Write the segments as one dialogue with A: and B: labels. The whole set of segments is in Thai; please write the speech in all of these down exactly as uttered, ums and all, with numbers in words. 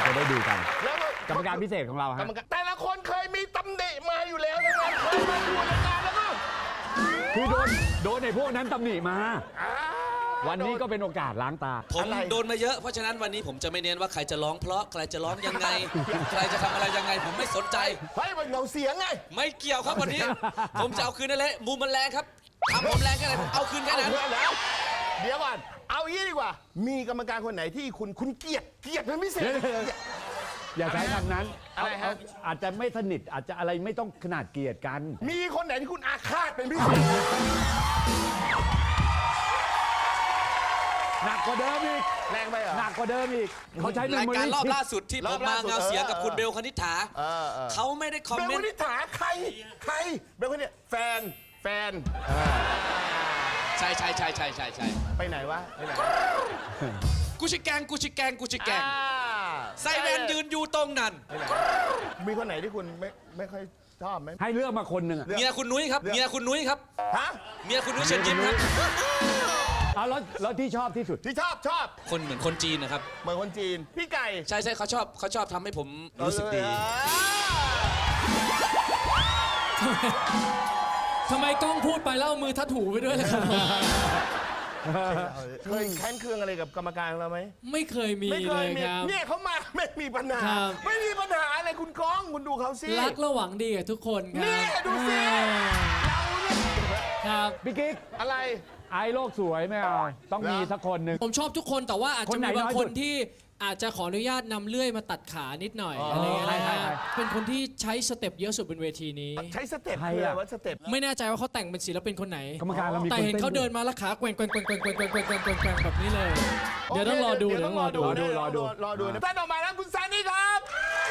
A: จะได้ดูกัน
B: แล้ว
A: กรรมการพิเศษของเรา
B: กร
A: ฮะ
B: รมการแต่ละคนเคยมีตำหนิมาอยู่แล้วทั้งนั้นเคยมาดูรายการแล้วก็
A: คือโดนโดนในพวกนั้นตำหนิมา
B: อ่า
A: วันนี้ก็เป็นโอกาสล้างตา
C: ผมโดนมาเยอะเพราะฉะนั้นวันนี้ผมจะไม่เน้นว่าใครจะร้องเพราะใครจะร้องยังไง ใครจะทำอะไรยังไงผมไม่สนใจ
B: เฮ้ยมันเงาเสียงไง
C: ไม่เกี่ยวครับวันนี้ ผมจะเอาคืนนั่นแหละมุมมันแรงครับทำผมแรงแค่ไหนผมเอาคืนแค่
B: เอา
C: นั้น
B: เพื่อนแล้วเดี๋ยวก่อนเอางี้ดีกว่า มีกรรมการคนไหนที่คุณคุณเกลียดเกลียดเป็นพิเศษ
A: อย่าใช้คำนั้น
B: อะไรฮะ
A: เอาอาจจะไม่สนิทอาจจะอะไรไม่ต้องขนาดเกลียดกัน
B: มีคนไหนที่คุณอาฆาตเป็นพิเศษ
A: หนักกว่าเดิมอีก
B: แรงไปเหรอ
A: หนักกว่าเดิมอีกเขาใช้เมม
C: ราย
A: โม
C: การ
A: รี่
C: รอบล่าสุดที่
B: ร
C: ผ
B: อบ
C: มมา
B: ล่าสุด
C: เงาเสียงกับ
B: เออ
C: คุณเบลคณิษฐา
B: เออเออ
C: เขาไม่ได้คอม
B: เบล
C: เม
B: คน
C: ต์
B: นิถาใครใครเบลคนนี้แฟนแฟน
C: ใช่ใช่ใช่ใช่ใช่ใช่
B: ไปไหนวะไปไหน
C: กูชิแกงกูชิแกงกูชิแกง
B: อ่า
C: ไซแวนยืนอยู่ตรงนั้น
B: ไปไหนมีคนไหนที่คุณไม่ไม่ค่อยชอบไหม
A: ให้เลือกมาคนหนึ่งอะ
C: เมียคุณนุ้ยครับเมียคุณนุ้ยครับ
B: ฮะ
C: เมียคุณนุ้ยเชิญยิ้มครับ
A: เอาแล้วแล้วที่ชอบที่สุด
B: ที่ชอบชอบ
C: คนเหมือนคนจีนนะครับ
B: เหมือนคนจีนพี่ไก่
C: ใช่ใช่เขาชอบเขาชอบทำให้ผมรู้สึกดี
D: ทำไมกล้องพูดไปแล้วเอามือทัดหูไปด้วยล่ะครับ
B: เคยแค้นเคืองอะไรกับกรรมการของเราไหม
D: ไม่เคยมี
B: ไม่เค
D: เลย ย
B: มี
D: ครับ
B: เนี่ยเขามาไม่มีปัญหา
D: ครับ
B: ไม่มีปัญหาอะไรคุณก้องคุณดูเขาสิ
D: รักและหวังดีกับทุกคนครับ
B: นี่ดูสิ
D: อ่า
B: เราเนี่ย
D: ครับ
A: พี่กิ๊ก
B: อะไร
A: ไอ้โลกสวยไม่เอาต้องมีสักคนหนึ่ง
D: ผมชอบทุกคนแต่ว่าอาจ
A: ค
D: จะ
A: นไหน
D: มีบาง
A: น้อย
D: ค
A: สุ
D: น
A: ด
D: ที่อาจจะขออนุญาตนำเลื่อยมาตัดขานิดหน่อย
B: อ๋ออ
D: อะไรอย่างเงี้ย
A: ใคร
D: นะ
A: ใคร
D: ฮะเป็นคนที่ใช้สเต็ปเยอะสุดบนเวทีนี้
B: ใช้สเต็ป
A: ใคร
B: คือ
A: อะ
B: อะไรว่าสเต็ป
D: ไม่แน่ใจว่าเขาแต่งเป็นศิลปินคนไหน
A: กรรมการเรามี
D: แต่
A: คน
D: เห็น
A: ต้
D: เขาเดินมาแล้วขาแกว่งแกว่งแกว่งแกว่งแกว่งแกว่งแกว่งแกว่งแกว่งแกว่งแบบนี้เลย เดี๋ยวต้องรอดูเดี๋ยวต้องรอดู
A: รอดูรอดู
B: รอดูนะท่านออกมาแล้วคุณซานี่ครับ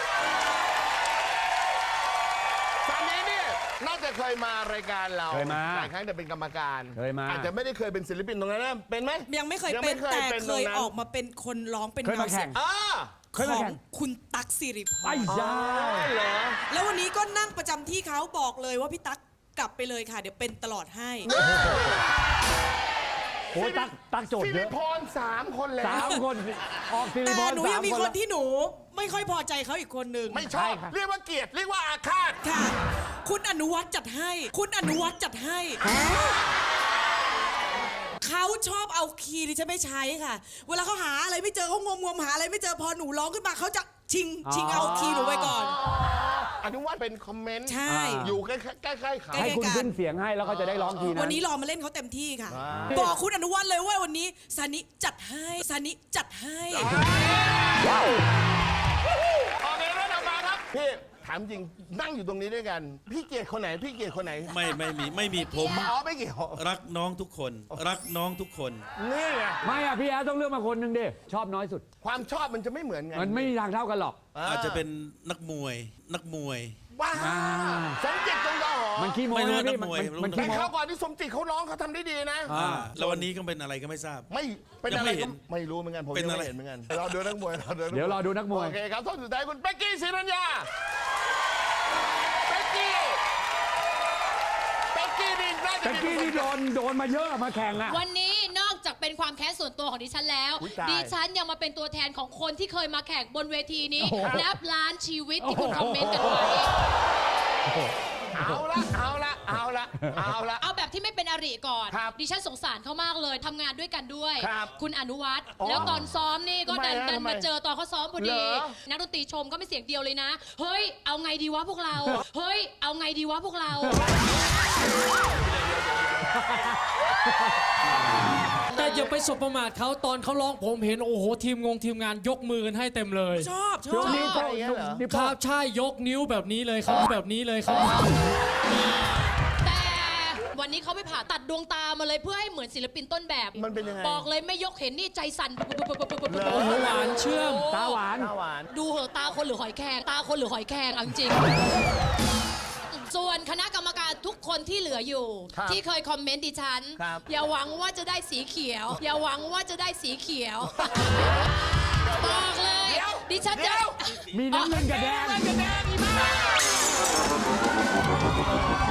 B: ซานี่เนี่ยน่าจะเคยมารายการเรา
A: เคยมา
B: หลายครั้งแต่เป็นกรรมการ
A: เคยมา
B: อาจจะไม่ได้เคยเป็นศิลปินตรงนั้นนะเป็นไหม
E: ยังไม่เคย
B: ยัง
E: เป็
B: ไม่
E: น
B: เคย
E: แต่
B: เป็น
E: เค
B: ตรง
E: ย
B: นั้น
E: ออกมาเป็นคนร้องเป็น
A: เคยมาแข่ง
B: อ่า
A: เคย
E: ข
A: มา
E: อง
A: แข่ง
E: คุณตั๊กสิริพ
A: ไอ้
E: ร
A: ยา
B: เหรอ
E: แล้ววันนี้ก็นั่งประจำที่เขาบอกเลยว่าพี่ตั๊กกลับไปเลยค่ะ เดี๋ยวเป็นตลอดให้
A: โอ้ยตักตักโจท
B: สิ
A: ย์เย
B: ริ
A: อะ
B: พรสามคนแล้ว
A: สามคนออกซิลิ
E: แต่
A: พร
E: หนู
A: สา
E: ยัง
A: ม
E: มี
A: คน
E: คน
A: ละ
E: ที่หนูไม่ค่อยพอใจเขาอีกคนหนึ่ง
B: ไม่ชอบ เรียกว่าเกลียดเรียกว่าอาฆาต
E: ค่ะ คุณอนุวัฒน์จัดให้ คุณอนุวัฒน์จัดให้เขาชอบเอาคีย์ที่ฉันไม่ใช้ค่ะ เวลาเขาหาอะไรไม่เจอเขางมงมหาอะไรไม่เจอพอหนูร้องขึ้นมาเขาจะชิงชิงเอาคีย์หนูไปก่อน
B: อนุวัฒน์เป็นคอมเมนต์
E: ใช่
B: อยู่ใกล้ๆใกล้ๆเขา
E: ใกล้
A: ให้คุณขึ้นเสียงให้แล้วก็จะได้ร้องทีนะ
E: วันนี้รอมาเล่นเขาเต็มที่ค่ะ
B: อ่า
E: บอกคุณอนุวัฒน์เลยว่าวันนี้ซานิจัดให้ซานิจัดให้
B: โอเคแล้วเรามาครับพี่ถามจริงนั่งอยู่ตรงนี้ด้วยกัน พี่เกลียดคนไหนพี่เกลียดคนไหน
F: ไม่ไม่มีไม่มีผม
B: อ๋อไม่เกี่ยว
F: รักน้องทุกคน รักน้องทุกคน
B: นี่ไง
A: ไม่อะพี่แอดต้องเลือกมาคนหนึ่งดิชอบน้อยสุด
B: ความชอบมันจะไม่เหมือนกัน
A: มันไม่มีทางเท่ากันหรอก
F: อาจจะเป็นนักมวย นักมวย
B: ว้า
A: อ่า
B: สมจิตจงดอหอ
A: มันขี้โม้
F: ไม่รู้
A: นะพี่
F: นักมวย
A: มันมัน
B: แต่
A: ขี้โม้
B: คราวก่อนที่สมจิตเขาร้องเขาทำได้ดีนะ
A: อ่า
F: แล้ววันนี้ก็เป็นอะไรก็ไม่ทราบ
B: ไม่เป็น
F: ยัง
B: อะไร
F: ไม่เห็
B: ก็
F: น
B: ไม่รู้เหมือนกันผม
F: เป็น
B: ยัง
F: อะไร
B: ไม่เห็นเหมือนกันเราดูนักมวยเราดูนักมวย
A: เดี๋ยวรอดูนักมวย
B: โอเคครับท่านสุดท้ายคุณเป๊กกี้ศรีรัญญาเป๊กกี้เป๊กกี้นี่น่าจะ
A: แต่กี้นี่โดนโดนมาเยอะมาแข่งอะ
G: วันนี้นอกจากเป็นความแค้นส่วนตัวของดิฉันแล้ว
B: อุ๊ยตาย
G: ดิฉันยังมาเป็นตัวแทนของคนที่เคยมาแข่งบนเวทีนี้
A: โอ้โห
G: นับล้านชีวิตที่คุณคอมเมนต์กันไว้
B: เอาละเอาละเอาละเอาละ
G: เอาแบบที่ไม่เป็นอริก่อน
B: ครับ
G: ดิฉันสงสารเขามากเลยทำงานด้วยกันด้วย
B: ครับ
G: คุณอนุวัฒน์
B: อ๋อ
G: แล้วตอนซ้อมนี่ก็ดัน
B: ทำไมฮะ
G: ดัน
B: ทำไม
G: มาเจอตอนเขาซ้อมพอดี
B: เหรอ
G: นักดนตรีชมก็ไม่เสียงเดียวเลยนะ เฮ้ย เอาไงดีวะพวกเรา เฮ้ย เอาไงดีวะพวกเรา
D: แต่อย่าไปสบประมาทเขาตอนเขาร้องผมเห็นโอ้โหทีมงงทีมงานยกมือกันให้เต็มเลย
E: ชอบช
A: ย
E: อก บ
A: นิ้วโป้ง
B: อย่างเงี้ยเหรอ
A: นิ้ว
D: ค
A: โป้
D: รั
A: ง
D: บใช่ยกนิ้วแบบนี้เลยครับแบบนี้เลยครับ
G: แต่วันนี้เขาไปผ่าตัดดวงตามาเลยเพื่อให้เหมือนศิลปินต้นแบบ
B: มันเป็นยังไง
G: บอกเลยไม่ยกเห็นนี่ใจสั่น
D: โอ้โหหวานเชื่อม
A: ตาหวาน
B: หน้าหวาน
G: ดูเหอะตาคนหรือหอยแครงตาคนหรือหอยแครงเอาจริงๆส่วนคณะกรรมการทุกคนที่เหลืออยู่
B: ครับ
G: ที่เคยคอมเมนต์ดิฉัน
B: ครับ
G: อย่าหวังว่าจะได้สีเขียว อย่าหวังว่าจะได้สีเขียว บอกเลย ดิฉัน
B: เดี๋
G: จะ
B: ยว
A: มีน้ำเงินกับแดง
B: น้ำเงินกับแดงอีบ้า